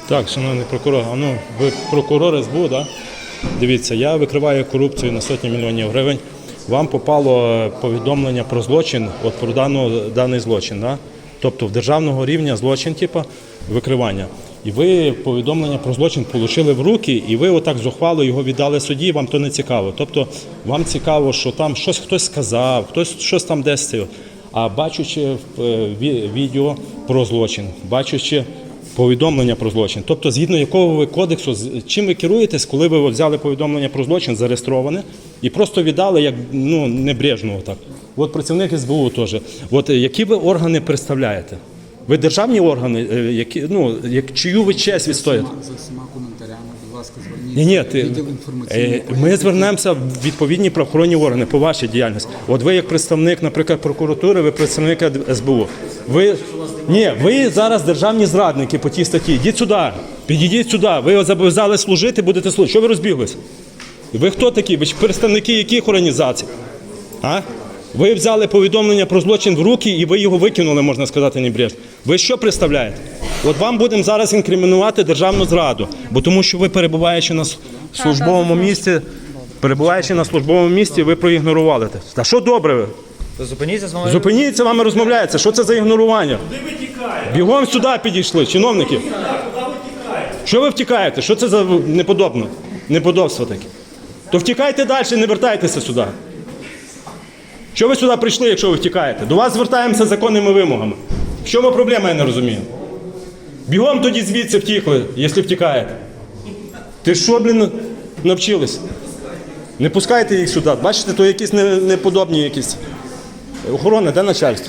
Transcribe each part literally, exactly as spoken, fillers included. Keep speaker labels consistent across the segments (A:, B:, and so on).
A: Так, шановний прокурор, а ну, ви прокурор ес бе у, да? Дивіться, я викриваю корупцію на сотні мільйонів гривень. Вам попало повідомлення про злочин, от про дану, даний злочин, да? Тобто в державного рівня злочин, типу, викривання. І ви повідомлення про злочин отримали в руки, і ви отак зухвало його віддали судді, вам то не цікаво. Тобто вам цікаво, що там щось хтось сказав, хтось щось там десь. А бачучи відео про злочин, бачучи повідомлення про злочин, тобто згідно якого ви кодексу, чим ви керуєтесь, коли ви взяли повідомлення про злочин, зареєстроване, і просто віддали, як, ну, небрежно отак. От працівник ес бе у теж. От які ви органи представляєте? Ви державні органи, які, ну, як, чию ви честь відстоїте?
B: За всіма коментарями, будь ласка, зверніться.
A: Ні, ні, ти,
B: відділ інформаційної
A: ми звернемося в відповідні правоохоронні органи по вашій діяльності. От ви як представник, наприклад, прокуратури, ви представник ес бе у. Ви, ні, ви зараз державні зрадники по тій статті. Йдіть сюди, підійдіть сюди. Ви зобов'язали служити, будете служити. Що ви розбіглись? Ви хто такі? Ви представники яких організацій? А? Ви взяли повідомлення про злочин в руки і ви його викинули, можна сказати, небрежно. Ви що представляєте? От вам будемо зараз інкримінувати державну зраду, бо тому що ви, перебуваючи на службовому місці, перебуваючи на службовому місці, ви проігнорували це. Та що добре ви?
C: Зупиніться з вами.
A: Зупиніться, з вами розмовляється. Що це за ігнорування?
D: Куди ви тікаєте?
A: Бігом сюди підійшли, чиновники.
D: Куди ви тікаєте?
A: Що ви втікаєте? Що це за неподобно? Неподобство таке? То втікайте далі, не вертайтеся сюди. Що ви сюди прийшли, якщо ви втікаєте? До вас звертаємося з законними вимогами. В чому проблема, я не розумію? Бігом тоді звідси втікли, якщо втікаєте. Ти що, блін, навчились? Не пускайте їх сюди. Бачите, то якісь неподобні якісь. Охорона, де начальство?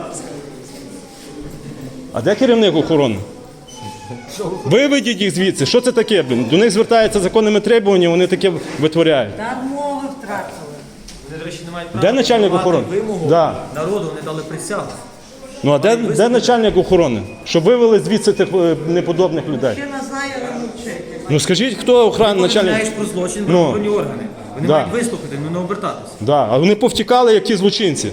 A: А де керівник охорони? Виведіть їх звідси. Що це таке, блін? До них звертаються законними требуваннями, вони таке витворяють.
E: Так мови втратили.
C: Вони, до речі, не мають права
A: Де начальник
C: вимагати
A: охорони?
C: вимогу
A: Да.
C: народу, вони дали присягу.
A: Ну а де, де начальник охорони? Щоб вивели звідси тих е, неподобних людей.
E: Ще не знає, не мовчить.
A: Ну скажіть, хто охрана начальник?
C: Знаєш про злочин,
A: Ну.
C: правоохоронні органи. Вони
A: Да.
C: мають вислухати, ну не обертатися.
A: Да, а вони повтікали, які злочинці.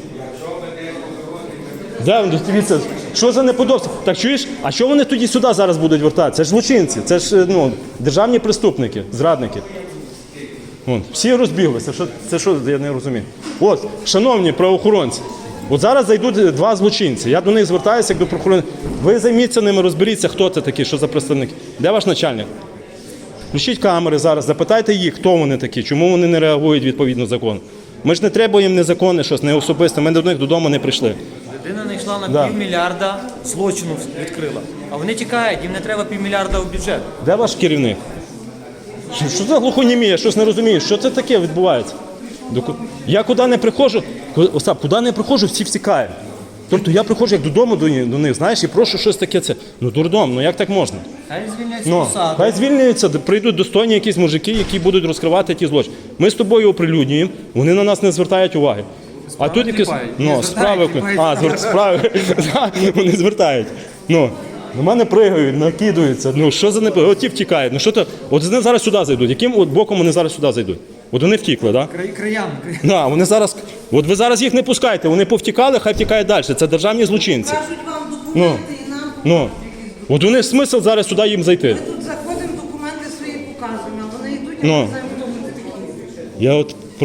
A: Да, ну, дивіться, що за неподобство? Так чуєш, а що вони тоді сюди зараз будуть вертатися? Це ж злочинці, це ж, ну, державні преступники, зрадники. Вон, всі розбіглися, що, це що, я не розумію. От, шановні правоохоронці, от зараз зайдуть два злочинці, я до них звертаюся, як до правоохоронців. Ви займіться ними, розберіться, хто це такі, що за представники. Де ваш начальник? Включіть камери зараз, запитайте їх, хто вони такі, чому вони не реагують відповідно закону. Ми ж не треба їм незаконне щось, не особисте, ми до них додому не прийшли.
C: Людина не йшла на
A: Да.
C: півмільярда, злочину відкрила. А вони тікають, їм не треба півмільярда в бюджет.
A: Де ваш керівник? Що, що за глухонімія? Я щось не розумію. Що це таке відбувається? До ку- Я куди не приходжу, ку- Остап, куди не приходжу, всі втікають. Тобто я приходжу як додому до, ні- до них, знаєш, і прошу щось таке. Це. Ну дурдом, ну як так можна?
C: Хай звільняють з
A: Ну,
C: посади.
A: хай звільняються, д- прийдуть достойні якісь мужики, які будуть розкривати ті злочини. Ми з тобою оприлюднюємо, вони на нас не звертають уваги. А тут якісь ну, справи, а, звер... справи, Да, вони звертають. Ну, на мене пригають, накидуються. Ну, що за непо... От ті втікають. Ну, що то... От вони зараз сюди зайдуть. Яким от боком вони зараз сюди зайдуть? От вони втікли, так? Да?
C: Краями.
A: Да, вони зараз... От ви зараз їх не пускаєте, вони повтікали, хай втікають далі. Це державні злочинці.
E: Кажуть вам документи і нам
A: Ну, от у них смисл зараз сюди їм зайти.
E: Ми тут заходимо, документи свої показуємо, а вони йдуть, а
A: Ну.
E: ми знаємо, хто ми такі.
A: Я от